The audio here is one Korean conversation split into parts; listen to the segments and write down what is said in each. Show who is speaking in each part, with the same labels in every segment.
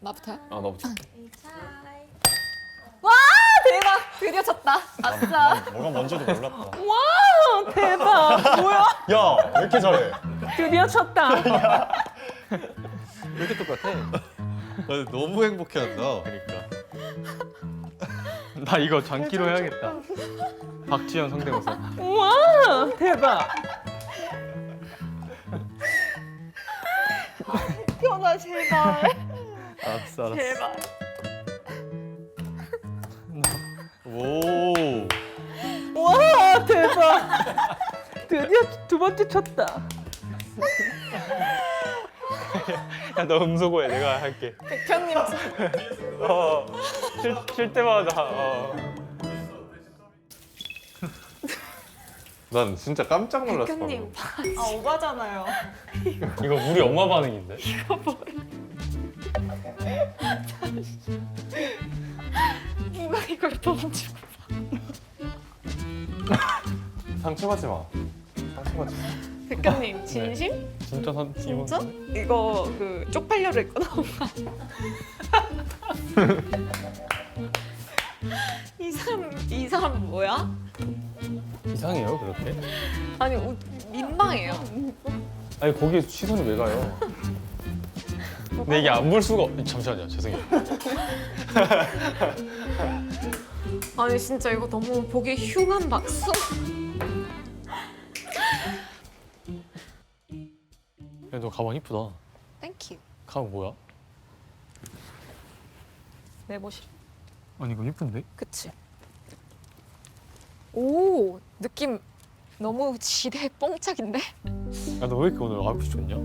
Speaker 1: 나부터요?
Speaker 2: 너부터.
Speaker 1: 와 대박! 드디어 쳤다. 아싸.
Speaker 2: 뭐가 뭔지도 몰랐다.
Speaker 3: 와 대박. 뭐야?
Speaker 2: 야, 왜 이렇게 잘해?
Speaker 3: 드디어 쳤다.
Speaker 4: 왜 이렇게 똑같아? 너무 행복해한다.
Speaker 2: 그러니까.
Speaker 5: 나 이거 장기로 해야겠다. 박지현 성대모사.
Speaker 3: 와 대박.
Speaker 1: 현아 제발.
Speaker 5: 알았어 알았어.
Speaker 1: 제발.
Speaker 4: 오.
Speaker 3: 와 대박. 드디어 두 번째 쳤다.
Speaker 5: 야 너 음소거해. 내가 할게.
Speaker 1: 백현님
Speaker 5: 칠 때마다.
Speaker 4: 난 진짜 깜짝 놀랐어.
Speaker 1: 백현님.
Speaker 4: 방금.
Speaker 1: 아 오바잖아요.
Speaker 5: 이거 우리 엄마 반응인데?
Speaker 1: 누가 이걸 던지고.
Speaker 4: 상처받지 마. 상처받지 마.
Speaker 1: 백현님 진심?
Speaker 5: 진짜
Speaker 1: 진짜? 이거 그 쪽팔려를 입고 나온 거 아니야? 이 사람 뭐야?
Speaker 5: 이상해요 그렇게?
Speaker 1: 아니 민망해요.
Speaker 5: 아니 거기에 시선이 왜 가요? 근데 이게 안 볼 수가 잠시만요 죄송해요.
Speaker 1: 아니 진짜 이거 너무 보기 흉한 박수.
Speaker 5: 야 너 가방 이쁘다.
Speaker 1: 땡큐.
Speaker 5: 가방 뭐야?
Speaker 1: 내보실.
Speaker 5: 아니 이거 이쁜데?
Speaker 1: 그치? 오 느낌 너무 지대 뽕짝인데?
Speaker 5: 야 너 왜 이렇게 오늘 아웃핏 좋냐?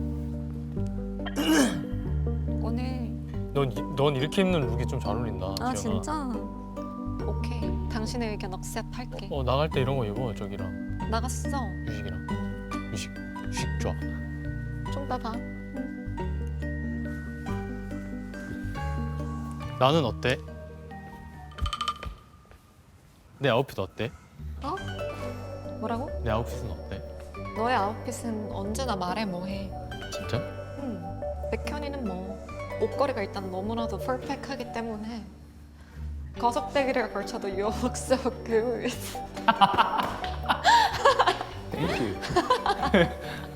Speaker 1: 오늘
Speaker 5: 넌 이렇게 입는 룩이 좀 잘 어울린다.
Speaker 1: 아
Speaker 5: 지연아.
Speaker 1: 진짜? 오케이 당신의 의견 억셉할게.
Speaker 5: 나갈 때 이런 거 입어 저기랑
Speaker 1: 나갔어.
Speaker 5: 유식이랑. 유식 좋아.
Speaker 1: 좀 봐봐.
Speaker 5: 나는 어때? 내 아웃핏 어때?
Speaker 1: 어? 뭐라고?
Speaker 5: 내 아웃핏은 어때?
Speaker 1: 너의 아웃핏은 언제나 말해 뭐해.
Speaker 5: 진짜?
Speaker 1: 백현이는 뭐 옷걸이가 일단 너무나도 퍼펙트하기 때문에 거석대기를 걸쳐도 you look so good.
Speaker 5: 땡큐.